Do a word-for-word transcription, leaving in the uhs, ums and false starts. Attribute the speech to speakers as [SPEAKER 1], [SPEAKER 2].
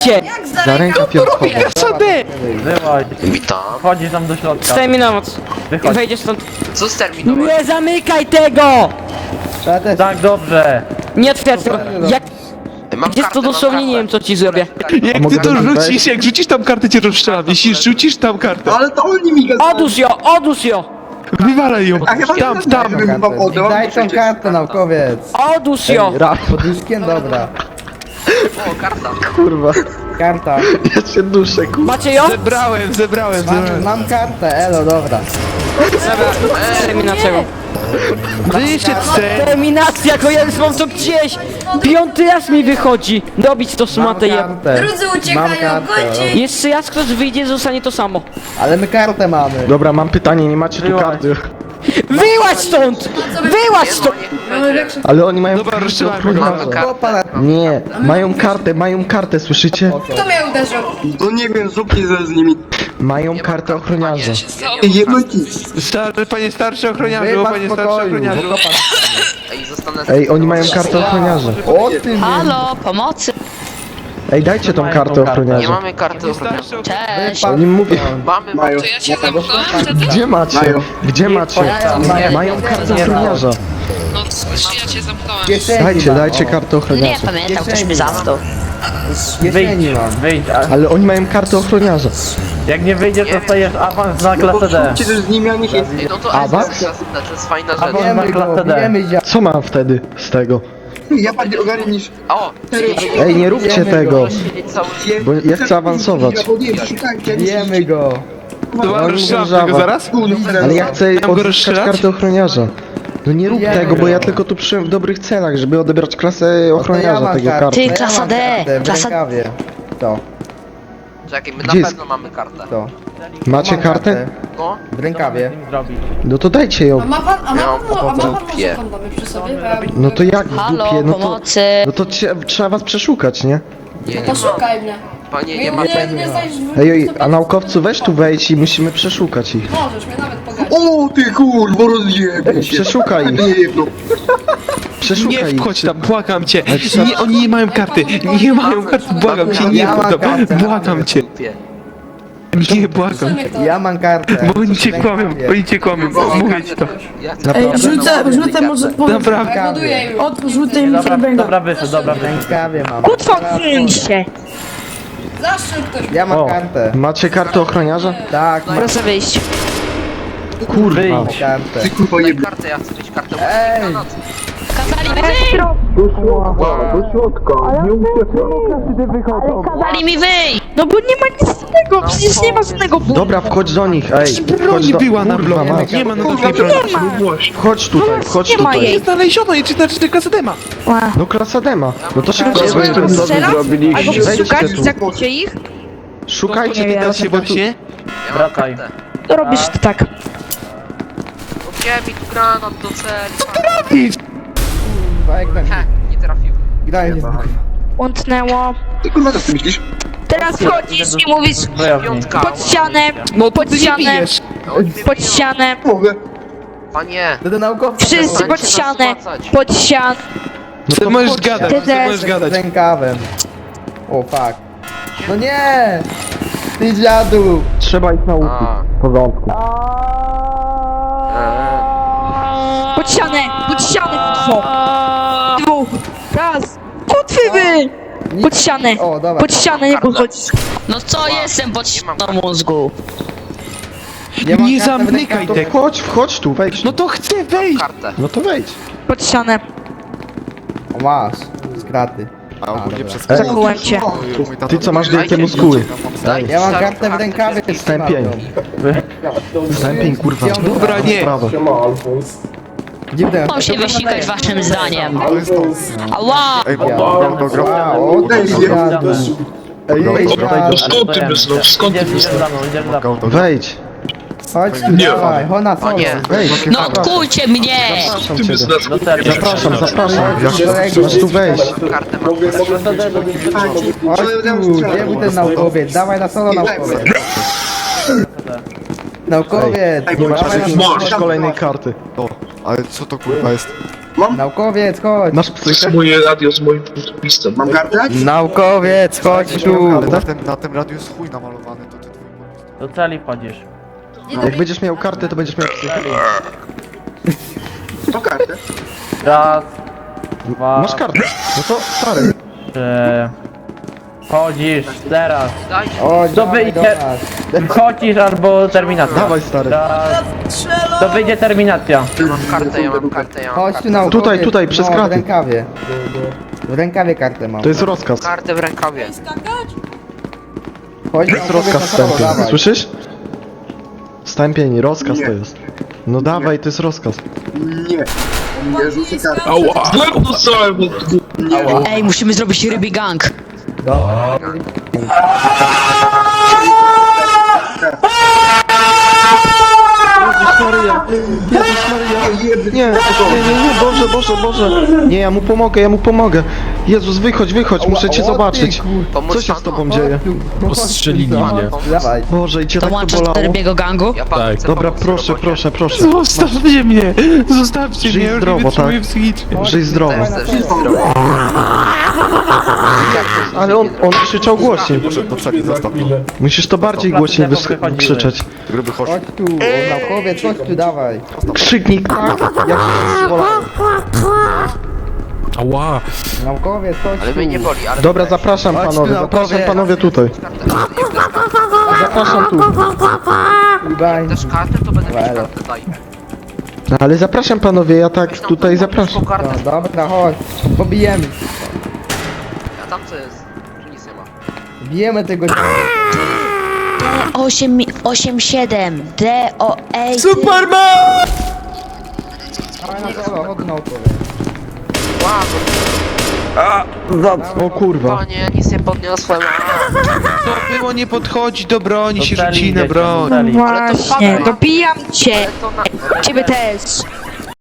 [SPEAKER 1] Jak
[SPEAKER 2] Za ręka piątkowa.
[SPEAKER 3] Sobie!
[SPEAKER 4] Wyłaź.
[SPEAKER 5] Witam.
[SPEAKER 4] Wchodzisz tam do środka.
[SPEAKER 3] Staj mi na moc.
[SPEAKER 4] Wychodź.
[SPEAKER 3] Wejdziesz stąd.
[SPEAKER 5] Co z terminowo?
[SPEAKER 3] Nie zamykaj tego!
[SPEAKER 4] Tak, dobrze.
[SPEAKER 3] Nie otwierać tego. Jak
[SPEAKER 5] Mam
[SPEAKER 3] jest to
[SPEAKER 5] kartę, mam
[SPEAKER 3] dosłownie, nie
[SPEAKER 5] kartę.
[SPEAKER 3] wiem co ci zrobię. Tak. No
[SPEAKER 2] mogę
[SPEAKER 6] Jak ty to
[SPEAKER 2] tam
[SPEAKER 6] rzucisz,
[SPEAKER 2] wejść?
[SPEAKER 6] jak rzucisz tam kartę, cię rozstrzelam. Jeśli rzucisz tam kartę,
[SPEAKER 7] Ale to oni mi gadają.
[SPEAKER 3] Odłóż ją, odłóż ją!
[SPEAKER 6] wywalaj ją.
[SPEAKER 7] A chyba
[SPEAKER 6] Tam,
[SPEAKER 7] nie
[SPEAKER 6] tam.
[SPEAKER 7] bym wam oddał.
[SPEAKER 2] Daj tą kartę, naukowiec.
[SPEAKER 3] Odłóż ją!
[SPEAKER 2] Pod łóżkiem, dobra.
[SPEAKER 5] O, karta.
[SPEAKER 2] Kurwa. Karta. Ja się duszę, kurwa.
[SPEAKER 3] Macie ją?
[SPEAKER 6] Zebrałem, zebrałem,
[SPEAKER 2] Mam,
[SPEAKER 6] zebrałem.
[SPEAKER 2] mam kartę, elo, dobra.
[SPEAKER 3] Terminacja.
[SPEAKER 6] Wyszedł se.
[SPEAKER 3] Terminacja, go ja już mam to gdzieś! Piąty raz mi wychodzi! Dobić to
[SPEAKER 2] Mam
[SPEAKER 3] smatę je.
[SPEAKER 2] kartę.
[SPEAKER 1] Drudzy
[SPEAKER 2] Mam
[SPEAKER 1] uciekają,
[SPEAKER 2] kartę.
[SPEAKER 1] gońcie!
[SPEAKER 3] Jeszcze raz ktoś wyjdzie, zostanie to samo.
[SPEAKER 2] Ale my kartę mamy.
[SPEAKER 8] Dobra, mam pytanie, nie macie tu
[SPEAKER 4] Wyłaź.
[SPEAKER 8] karty.
[SPEAKER 3] Wyłaź stąd! Wyłaź
[SPEAKER 5] Nie,
[SPEAKER 3] stąd!
[SPEAKER 5] no niech będzie.
[SPEAKER 8] Ale oni mają
[SPEAKER 6] Dobra,
[SPEAKER 8] kartę
[SPEAKER 6] rozstrzelamy
[SPEAKER 8] ochroniarza.
[SPEAKER 5] Mamy kartę.
[SPEAKER 2] Chłopa,
[SPEAKER 8] Nie, mają kartę, mają kartę, słyszycie?
[SPEAKER 1] Kto mnie uderzył?
[SPEAKER 7] No nie wiem, zróbcie ze z nimi.
[SPEAKER 8] Mają kartę ochroniarza.
[SPEAKER 7] Jedno ci.
[SPEAKER 6] Star, panie starszy ochroniarzu,
[SPEAKER 2] wypadł
[SPEAKER 6] panie
[SPEAKER 2] w
[SPEAKER 6] starszy
[SPEAKER 2] pokoju.
[SPEAKER 6] ochroniarzu.
[SPEAKER 5] Ej, zostanę...
[SPEAKER 8] Ej, oni mają kartę ochroniarza.
[SPEAKER 2] O ty mnie.
[SPEAKER 9] Halo, pomocy!
[SPEAKER 8] Ej, dajcie tą
[SPEAKER 4] Mają
[SPEAKER 8] kartę
[SPEAKER 4] tą kartę.
[SPEAKER 5] Nie
[SPEAKER 8] ochroniarza.
[SPEAKER 5] mamy karty ochroniarza.
[SPEAKER 6] Starszy
[SPEAKER 9] Cześć!
[SPEAKER 8] Oni mówią,
[SPEAKER 5] Mamy,
[SPEAKER 7] Mają.
[SPEAKER 5] mamy.
[SPEAKER 10] Ja cię zamknąłem wtedy?
[SPEAKER 8] gdzie macie? Gdzie macie? Mają kartę ochroniarza.
[SPEAKER 10] No cóż, ja cię zamknąłem.
[SPEAKER 2] Kieszeni
[SPEAKER 8] Dajcie,
[SPEAKER 2] mam,
[SPEAKER 8] dajcie
[SPEAKER 2] o.
[SPEAKER 8] kartę
[SPEAKER 9] Nie
[SPEAKER 8] ochroniarza.
[SPEAKER 9] pamiętam, ktoś mnie zamknął.
[SPEAKER 2] Kieszeni
[SPEAKER 4] Wyjdź,
[SPEAKER 2] mam.
[SPEAKER 4] wyjdź. A
[SPEAKER 8] Ale oni mają kartę ochroniarza.
[SPEAKER 4] jak nie wyjdziesz, dostajesz awans na klasę D.
[SPEAKER 7] Zróbcie też z nimi, a niech jest.
[SPEAKER 5] Ej, no to
[SPEAKER 8] Awans?
[SPEAKER 5] jest klasy D, to jest fajna rzecz.
[SPEAKER 4] Awans.
[SPEAKER 2] Bijemy go,
[SPEAKER 4] klasę D.
[SPEAKER 2] bijemy zia...
[SPEAKER 8] Co mam wtedy z tego?
[SPEAKER 7] Ja bardziej ogarnię niż...
[SPEAKER 5] O,
[SPEAKER 8] Ej, nie róbcie
[SPEAKER 2] Bijemy
[SPEAKER 8] tego,
[SPEAKER 2] go.
[SPEAKER 5] siedzieć cały
[SPEAKER 8] bo ja chcę awansować.
[SPEAKER 7] Szukajcie,
[SPEAKER 2] Bijemy go.
[SPEAKER 6] Dobra,
[SPEAKER 8] oni
[SPEAKER 6] rozstrzelam
[SPEAKER 8] żaba.
[SPEAKER 6] tego zaraz?
[SPEAKER 8] Ale ja chcę
[SPEAKER 6] Mam go
[SPEAKER 8] odzyskać
[SPEAKER 6] rozstrzelać?
[SPEAKER 8] kartę ochroniarza. No nie rób
[SPEAKER 2] Bijemy
[SPEAKER 8] tego, bo
[SPEAKER 2] go.
[SPEAKER 8] ja tylko tu przyjąłem w dobrych celach, żeby odebrać klasę
[SPEAKER 2] No to ja
[SPEAKER 8] ochroniarza
[SPEAKER 2] mam
[SPEAKER 8] tego
[SPEAKER 2] kartę,
[SPEAKER 8] kartę.
[SPEAKER 9] Ty,
[SPEAKER 2] ja
[SPEAKER 9] klasa
[SPEAKER 2] mam
[SPEAKER 9] D,
[SPEAKER 2] kartę w
[SPEAKER 9] klasa-
[SPEAKER 2] rękawie. To,
[SPEAKER 5] Czekaj, my
[SPEAKER 8] Gdzie
[SPEAKER 5] na
[SPEAKER 8] jest?
[SPEAKER 5] pewno mamy kartę.
[SPEAKER 2] to.
[SPEAKER 8] Macie
[SPEAKER 2] Mam
[SPEAKER 8] kartę?
[SPEAKER 5] No,
[SPEAKER 2] W rękawie.
[SPEAKER 4] Zrobić.
[SPEAKER 8] No to dajcie ją.
[SPEAKER 1] A ma pan, a ma
[SPEAKER 5] Ja
[SPEAKER 1] pan,
[SPEAKER 5] mam
[SPEAKER 1] a ma pan
[SPEAKER 5] dupie.
[SPEAKER 1] może kondomy przy sobie? Bo ja-
[SPEAKER 8] No to jak w
[SPEAKER 9] Halo,
[SPEAKER 8] dupie? No to,
[SPEAKER 9] pomocy!
[SPEAKER 8] no to cie, trzeba was przeszukać, nie?
[SPEAKER 5] nie, nie
[SPEAKER 1] To
[SPEAKER 5] ma.
[SPEAKER 1] szukaj mnie.
[SPEAKER 5] Panie,
[SPEAKER 1] Nie,
[SPEAKER 5] nie ma.
[SPEAKER 1] nie, nie znajdziesz w
[SPEAKER 8] Ej, ej, a naukowcu weź tu wejdź i musimy przeszukać ich.
[SPEAKER 1] Możesz mnie nawet pogadać.
[SPEAKER 7] O ty kurwo, rozjebie się.
[SPEAKER 8] Przeszukaj ich,
[SPEAKER 7] Nie jedno.
[SPEAKER 8] przeszukaj
[SPEAKER 6] Nie
[SPEAKER 8] ich.
[SPEAKER 6] wchodź tam, błagam cię. Nie, oni nie mają karty, nie mają karty, błagam cię, nie
[SPEAKER 2] Ja mam
[SPEAKER 6] wchodź tam,
[SPEAKER 2] kartę.
[SPEAKER 6] błagam cię.
[SPEAKER 5] Dupie.
[SPEAKER 6] Nie, błagam.
[SPEAKER 1] Przemyk to.
[SPEAKER 2] Ja mam kartę.
[SPEAKER 6] Bo oni cię kłamią, oni cię kłamią, mówię ci to.
[SPEAKER 5] Ja chcę
[SPEAKER 8] Naprawdę.
[SPEAKER 11] Rzucę, rzucę może po...
[SPEAKER 6] Naprawdę.
[SPEAKER 1] Ja buduję już.
[SPEAKER 11] Od, rzucę im
[SPEAKER 4] Dobra,
[SPEAKER 11] flabęga.
[SPEAKER 4] dobra, wyszedł, dobra,
[SPEAKER 2] W
[SPEAKER 4] wyszedł.
[SPEAKER 2] rękawie mam.
[SPEAKER 9] Otwórzcie!
[SPEAKER 1] Zaszczyt ktoś.
[SPEAKER 2] Ja mam
[SPEAKER 4] O.
[SPEAKER 2] kartę.
[SPEAKER 8] Macie kartę ochroniarza?
[SPEAKER 2] Tak, mam
[SPEAKER 9] Proszę wyjść.
[SPEAKER 8] Kurwa.
[SPEAKER 4] Wyjdź.
[SPEAKER 2] kartę.
[SPEAKER 7] Ty kurwo
[SPEAKER 5] Daj
[SPEAKER 7] jebie.
[SPEAKER 5] kartę, ja chcę mieć kartę.
[SPEAKER 2] Ej!
[SPEAKER 9] Kazali mi wyjść! Kazali mi wyjść! No bo nie ma nic z tego, przecież nie ma żadnego bólu.
[SPEAKER 8] Dobra, wchodź do nich, ej. Wchodź
[SPEAKER 6] Broni
[SPEAKER 8] do...
[SPEAKER 6] była na
[SPEAKER 8] Kurwa,
[SPEAKER 6] bloku,
[SPEAKER 8] mać.
[SPEAKER 6] nie ma na drugiej broni.
[SPEAKER 8] Wchodź tutaj, wchodź
[SPEAKER 9] Nie ma
[SPEAKER 8] tutaj.
[SPEAKER 9] jej.
[SPEAKER 6] Nie znaleziono jej, czy znaczy, że klasa dema.
[SPEAKER 8] No klasa dema. No to szybko
[SPEAKER 9] Albo
[SPEAKER 8] wejdź.
[SPEAKER 9] szukać,
[SPEAKER 8] Wejdźcie tu.
[SPEAKER 9] zakujcie ich,
[SPEAKER 8] Szukajcie
[SPEAKER 9] Nie wiem.
[SPEAKER 8] teraz
[SPEAKER 6] Się
[SPEAKER 8] chyba tu...
[SPEAKER 6] właśnie.
[SPEAKER 5] Ja mam
[SPEAKER 4] Wracaj.
[SPEAKER 5] kartę.
[SPEAKER 9] to robisz to tak.
[SPEAKER 5] Gdzie mi tu granat do celi? Ha, nie trafił.
[SPEAKER 2] Graj się.
[SPEAKER 9] Łątnęło.
[SPEAKER 7] Ty kurwa, co ty myślisz?
[SPEAKER 9] Teraz wchodzisz i mówisz
[SPEAKER 4] Zbrojownik.
[SPEAKER 5] Piątka.
[SPEAKER 9] pod ścianę,
[SPEAKER 6] No
[SPEAKER 9] pod
[SPEAKER 6] ty nie
[SPEAKER 9] ścianę,
[SPEAKER 6] bijesz.
[SPEAKER 9] pod ścianę,
[SPEAKER 7] Mogę.
[SPEAKER 5] Panie.
[SPEAKER 2] To do naukowca.
[SPEAKER 9] wszyscy pod ścianę, pod ścianę.
[SPEAKER 8] No
[SPEAKER 6] Ty
[SPEAKER 8] to
[SPEAKER 6] możesz
[SPEAKER 8] wchodźcie.
[SPEAKER 6] gadać,
[SPEAKER 9] Ty
[SPEAKER 6] ty
[SPEAKER 9] też.
[SPEAKER 6] możesz
[SPEAKER 2] Z
[SPEAKER 6] gadać.
[SPEAKER 2] rękawem. O fuck. No nie! Ty dziadu!
[SPEAKER 8] Trzeba ich nauczyć.
[SPEAKER 5] A.
[SPEAKER 8] W porządku.
[SPEAKER 5] Eee,
[SPEAKER 9] Pod ścianę, pod ścianę, dwóch. Dwóch. Raz. Kutwy wy! Pod ścianę,
[SPEAKER 2] O, dobra.
[SPEAKER 9] pod ścianę nie podchodzisz.
[SPEAKER 10] No co jestem pod
[SPEAKER 5] Nie mam
[SPEAKER 10] ścianą mózgu?
[SPEAKER 2] Ja mam
[SPEAKER 6] Nie
[SPEAKER 2] kartę w
[SPEAKER 6] zamykaj
[SPEAKER 2] rękawie.
[SPEAKER 6] tego.
[SPEAKER 8] Chodź, wchodź tu, wejdź.
[SPEAKER 6] No to chcę wejść.
[SPEAKER 5] kartę.
[SPEAKER 8] No to wejdź.
[SPEAKER 9] Pod ścianę.
[SPEAKER 2] O, masz. Z kraty. A, dobra.
[SPEAKER 8] Ej,
[SPEAKER 9] Zakułem cię.
[SPEAKER 8] ty co masz wielkie muskuły?
[SPEAKER 5] Daj,
[SPEAKER 2] Ja mam
[SPEAKER 5] daj
[SPEAKER 2] kartę w
[SPEAKER 5] kartę.
[SPEAKER 2] rękawie.
[SPEAKER 8] Stępień. Stępień, kurwa.
[SPEAKER 6] Dobra, nie.
[SPEAKER 8] Prawo.
[SPEAKER 2] Dziwne.
[SPEAKER 10] Mam się wysikać waszym zdaniem. Ała!
[SPEAKER 2] O, ty dziadu.
[SPEAKER 8] Ej,
[SPEAKER 2] Ej,
[SPEAKER 8] wejdź,
[SPEAKER 2] dziadu.
[SPEAKER 4] Skąd ty myślisz? Skąd ty myślisz? Idziesz za mną, idziesz za mną.
[SPEAKER 8] Wejdź.
[SPEAKER 2] Chodź tu, dawaj. Hona solo.
[SPEAKER 5] Panie.
[SPEAKER 8] Wejdź.
[SPEAKER 10] No kujcie mnie!
[SPEAKER 8] Zapraszam cię.
[SPEAKER 4] Do celi.
[SPEAKER 8] Zapraszam, zapraszam. Masz tu wejść.
[SPEAKER 5] Kartę mam.
[SPEAKER 2] Chodź tu, gdzie był ten naukowiec? Dawaj na solo naukowiec. Naukowiec,
[SPEAKER 8] Nie masz
[SPEAKER 2] dawaj na
[SPEAKER 8] takiej
[SPEAKER 2] solo.
[SPEAKER 8] masz kolejnej karty.
[SPEAKER 12] Ale co to kurwa jest?
[SPEAKER 7] Mam,
[SPEAKER 2] Naukowiec, chodź.
[SPEAKER 8] Masz
[SPEAKER 4] To jest
[SPEAKER 8] psychę?
[SPEAKER 4] moje radio z moim podpisem.
[SPEAKER 7] mam kartę?
[SPEAKER 2] Naukowiec, chodź tu.
[SPEAKER 6] Na tym, na tym radiu jest chuj namalowany, to ty twój podpis.
[SPEAKER 4] Do celi wchodzisz.
[SPEAKER 8] Jak będziesz miał kartę, to będziesz miał psychę.
[SPEAKER 7] To kartę.
[SPEAKER 4] Raz, dwa,
[SPEAKER 8] Masz kartę. No to stary.
[SPEAKER 4] trzy. Wchodzisz, teraz.
[SPEAKER 5] Dajcie.
[SPEAKER 2] Chodź,
[SPEAKER 4] To
[SPEAKER 2] dawaj
[SPEAKER 4] wyjdzie.
[SPEAKER 2] do nas.
[SPEAKER 4] Wchodzisz albo terminacja.
[SPEAKER 8] Dawaj stary.
[SPEAKER 4] Raz. To wyjdzie terminacja.
[SPEAKER 5] Ja mam kartę, ja mam kartę, ja mam
[SPEAKER 2] Chodź
[SPEAKER 5] kartę.
[SPEAKER 2] tu naukowiec.
[SPEAKER 8] Tutaj, tutaj, przez
[SPEAKER 2] no, w
[SPEAKER 8] kraty.
[SPEAKER 2] rękawie. W rękawie kartę mam.
[SPEAKER 8] To jest rozkaz.
[SPEAKER 5] Kartę w rękawie.
[SPEAKER 2] Chodź,
[SPEAKER 8] To jest
[SPEAKER 2] naukowiec,
[SPEAKER 8] rozkaz
[SPEAKER 2] na prawo,
[SPEAKER 8] stępień.
[SPEAKER 2] dawaj.
[SPEAKER 8] Słyszysz? Stępień, rozkaz
[SPEAKER 7] Nie.
[SPEAKER 8] to jest. No dawaj, to jest rozkaz.
[SPEAKER 7] Nie. Ja rzucę kartę.
[SPEAKER 4] Ała. Łeb dostałem od...
[SPEAKER 10] Ej, musimy zrobić ryby gang.
[SPEAKER 8] Jezus Maryja! Jezus Maryja! Nie, nie, nie, nie, Boże, Boże, Boże! Nie, ja mu pomogę, ja mu pomogę! Jezus, wychodź, wychodź, muszę cię
[SPEAKER 2] O,
[SPEAKER 8] zobaczyć!
[SPEAKER 2] ty, kur-
[SPEAKER 5] Pomóc
[SPEAKER 8] Co się z
[SPEAKER 5] panu?
[SPEAKER 8] tobą dzieje?
[SPEAKER 2] Postrzelili mnie. Dawaj.
[SPEAKER 8] Boże, i cię tak to
[SPEAKER 10] Dołączasz do
[SPEAKER 8] bolało?
[SPEAKER 10] rybiego gangu?
[SPEAKER 5] Ja panu chcę
[SPEAKER 8] Dobra,
[SPEAKER 5] pomóc w
[SPEAKER 8] proszę,
[SPEAKER 5] robocie.
[SPEAKER 8] proszę, proszę.
[SPEAKER 6] Zostawcie mnie! Zostawcie
[SPEAKER 8] Żyj
[SPEAKER 6] mnie, już nie
[SPEAKER 8] zdrowo,
[SPEAKER 6] wytrzymuję
[SPEAKER 8] tak?
[SPEAKER 6] psychicznie.
[SPEAKER 8] Żyj zdrowo.
[SPEAKER 5] To jest też zdrowo.
[SPEAKER 8] Ale on, on krzyczał głośniej.
[SPEAKER 6] zostaw to.
[SPEAKER 8] Musisz to bardziej
[SPEAKER 4] Po
[SPEAKER 8] głośniej
[SPEAKER 4] placu
[SPEAKER 8] wys-
[SPEAKER 4] wychodzimy.
[SPEAKER 8] krzyczeć.
[SPEAKER 2] Chodź tu, o, naukowiec, chodź tu, dawaj.
[SPEAKER 8] Krzyknij tak, jak się bolało.
[SPEAKER 6] Ała!
[SPEAKER 2] Naukowiec, chodź
[SPEAKER 5] Ale
[SPEAKER 2] tu.
[SPEAKER 5] mnie nie boli, ale...
[SPEAKER 8] Dobra, zapraszam
[SPEAKER 2] Chodź tu,
[SPEAKER 8] panowie,
[SPEAKER 2] naukowiec.
[SPEAKER 8] zapraszam panowie tutaj. Zapraszam tu.
[SPEAKER 2] Daj.
[SPEAKER 5] Też kartę, to będę mieć
[SPEAKER 2] Elo.
[SPEAKER 5] kartę, daj.
[SPEAKER 8] Ale zapraszam panowie, ja tak tutaj zapraszam.
[SPEAKER 5] Kartę.
[SPEAKER 2] No, dobra, chodź. Pobijemy.
[SPEAKER 5] A tam co jest? Że nic nie ma.
[SPEAKER 2] Bijemy tego
[SPEAKER 10] osiem, osiem, siedem. D, O, E.
[SPEAKER 2] Dawaj na solo, chodź naukowiec.
[SPEAKER 5] Wow,
[SPEAKER 8] O kurwa.
[SPEAKER 5] panie, nic nie podniosłem.
[SPEAKER 6] To było nie podchodzić do broni,
[SPEAKER 4] Do
[SPEAKER 6] się
[SPEAKER 4] celi
[SPEAKER 6] rzuci na
[SPEAKER 4] idziecie,
[SPEAKER 6] broń.
[SPEAKER 4] do celi.
[SPEAKER 9] Właśnie, dobijam cię.
[SPEAKER 5] Ale to na...
[SPEAKER 9] Ciebie też.